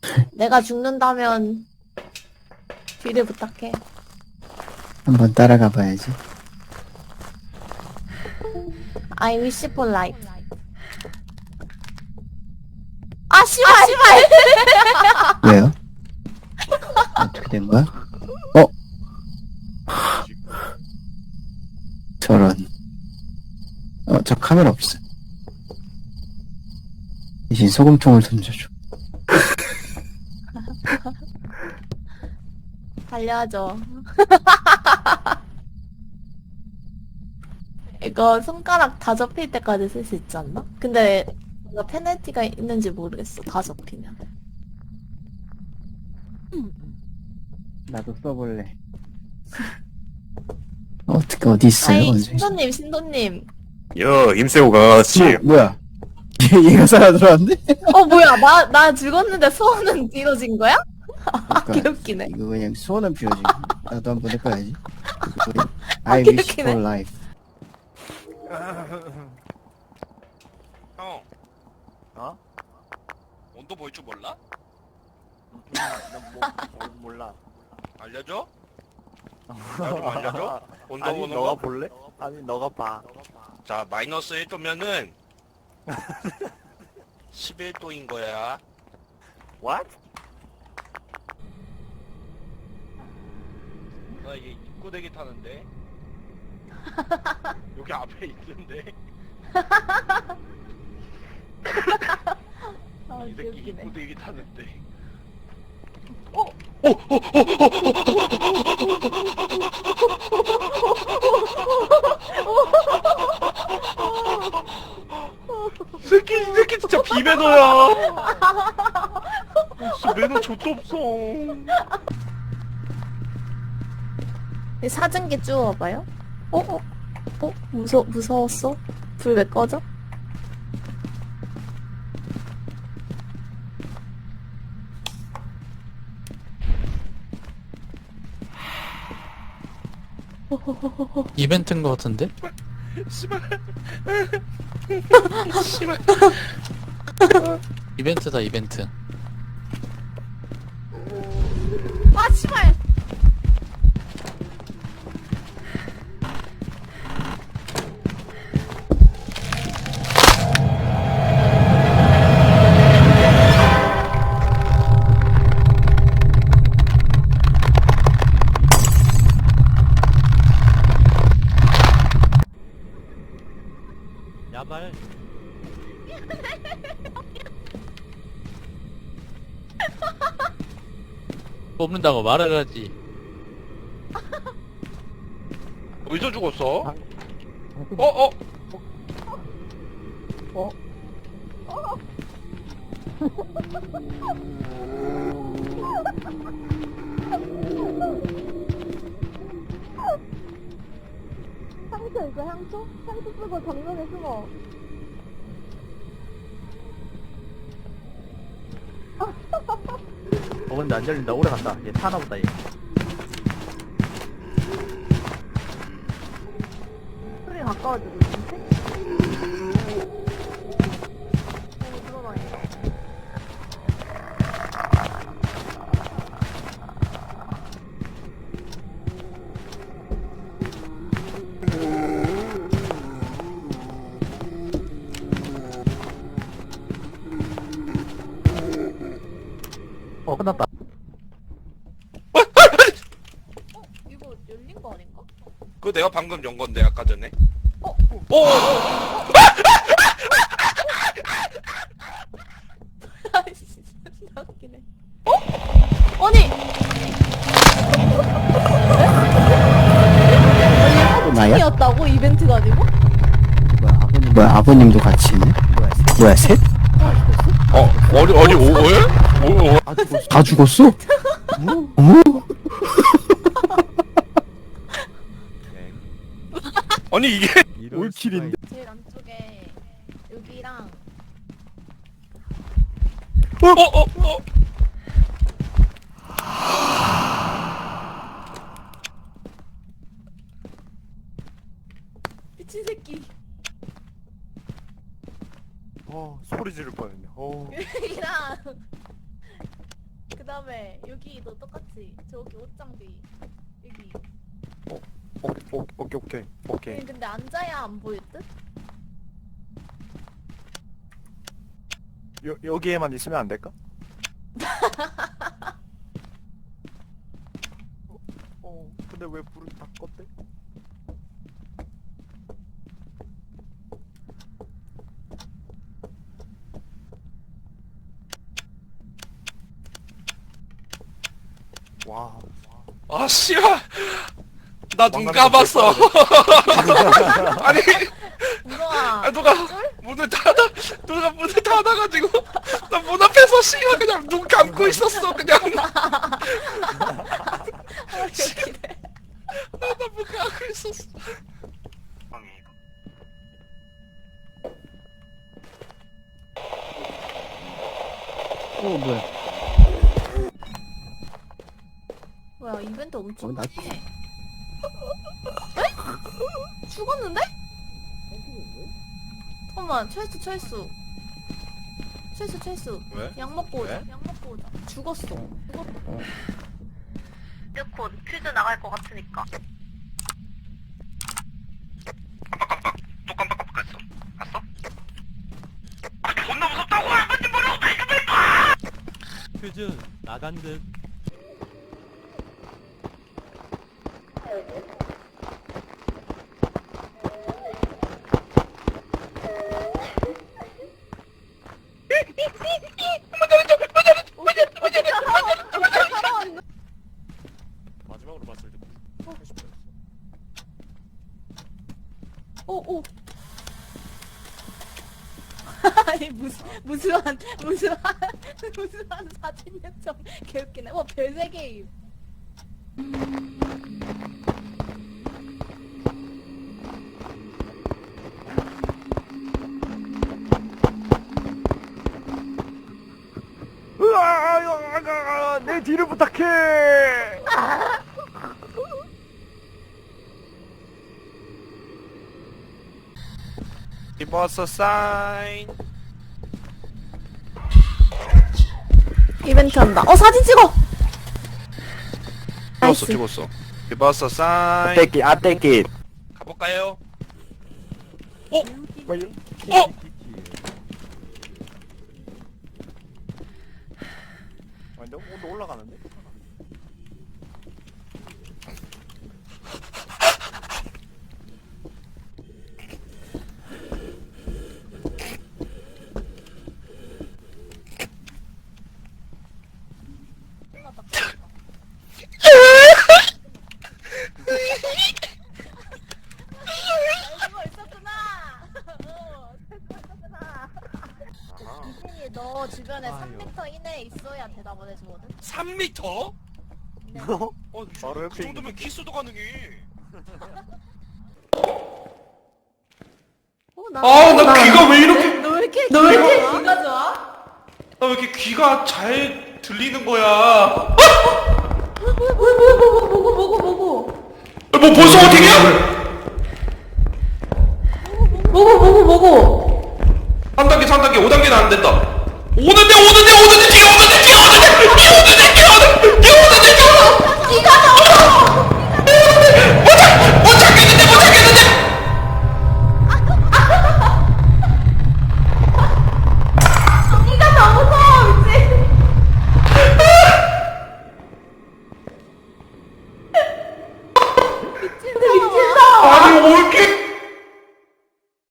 내가 죽는다면 뒤를 부탁해. 한번 따라가 봐야지. I wish for life. 아 씨발 씨발. 왜요? 어떻게 된 거야? 저런. 저 카메라 없어. 대신 소금통을 던져줘. 살려줘. 이거 손가락 다 접힐 때까지 쓸 수 있지 않나? 근데 뭔가 페널티가 있는지 모르겠어. 다 접히면. 나도 써볼래. 어떻게 어디 있어요? 아이 언제? 신도님. 여 임세호 같이 뭐야? 얘가 살아 들어왔네? 뭐야 나 죽었는데 소원은 이루어진 거야? 개웃기네. 이거 그냥 소원은 비워지. 나도 한번 해봐야지. I 웃기네. wish for life. 형 어? 온도 보일 줄 몰라? 몰라. 알려줘? 나좀 알려줘? 온도 아니 보는 너가 거? 볼래? 아니 너가 봐. 자 마이너스 1도면은 11도인 거야. What? 나 얘 입구대기 타는데 여기 앞에 있는데 아 이 새끼 개웃기네. 입구대기 타는데 이 새끼 진짜 비매너야. 진짜 매너 좆도 없어. 이 사진기 주워봐요. 무서웠어? 불 왜 꺼져? 이벤트인 것 같은데? 씨발. 씨발. 이벤트다 이벤트. 아 씨발. 야발. 뽑는다고 말을 하지. 어디서 죽었어? 방- 어? 향초 있어 향초? 향초 쓰고 정면에 숨어. 근데 안 열린다. 오래 간다. 얘 타나 보다 얘. 소리 가까워지고 있는데? 들어다닌다. 끝났다. 이거 열린 거 아닌가? 그거 내가 방금 연 건데 아까 전에. 어? 오! 아이씨 존나 웃기네. 아니! 또 나야? 이었다고 이벤트가 아니고? 뭐야 아버님도 같이 있네? 뭐야 셋? 아니 왜? 다 죽었어? 어머? 아니 이게 올킬인데. 제일 안쪽에 여기랑 어? 미친 새끼 소리 지를 뻔했네. 여기랑 다음에 여기도 똑같이 저기 옷장 뒤 여기. 오케이. 근데 앉아야 안 보일 듯? 여기에만 있으면 안 될까? 근데 왜 불을 다 껐대? 와. 아 씨발. 나 눈 감았어. 아니 우와. 누가 누가 문을 닫아가지고 나 문 앞에서 씨발 그냥 눈 감고 있었어 그냥. 웃기네. 나 문 감고 있었어. 뭐야. 뭐야 이벤트 엄청 나 에? 죽었는데? 잠깐만 철수 왜? 약 먹고 오자. 왜? 약 먹고 오자. 죽었어. 곧 퀴즈 나갈 것 같으니까. 또 깜빡깜빡했어. 봤어? 아 존나 무섭다고 뭔지 모르고 퀴즈 나간 듯. 마지막으로 봤을 때 80%였어. 오. 아니 무수한 사진 요청 개웃기네. 와 별세 게임. 내 뒤를 부탁해. Give us a sign. 이벤트 한다. 사진 찍어. 나이스. 찍었어. Give us a sign. 떼끼 아 떼끼. 가볼까요? 아니 너무 온도 올라가는데? 알고 있었구나. 이진이 너 주변에 3m 이내에 있어야 대답을 해주거든. 3m? 네. 바로 그 옆에 정도면 키스도 가능해. 나 귀가 왜 이렇게 너 왜 이렇게 귀가 좋아? 나 왜 이렇게 귀가 잘 들리는 거야? 뭐고? 뭐 벌써 어떻게야? 뭐고? 3단계 3단계 5단계는 안 된다. 오는데 뒤에 귀가 나와. 못 찾겠는데 귀가 너무 무서워 미친. 미친.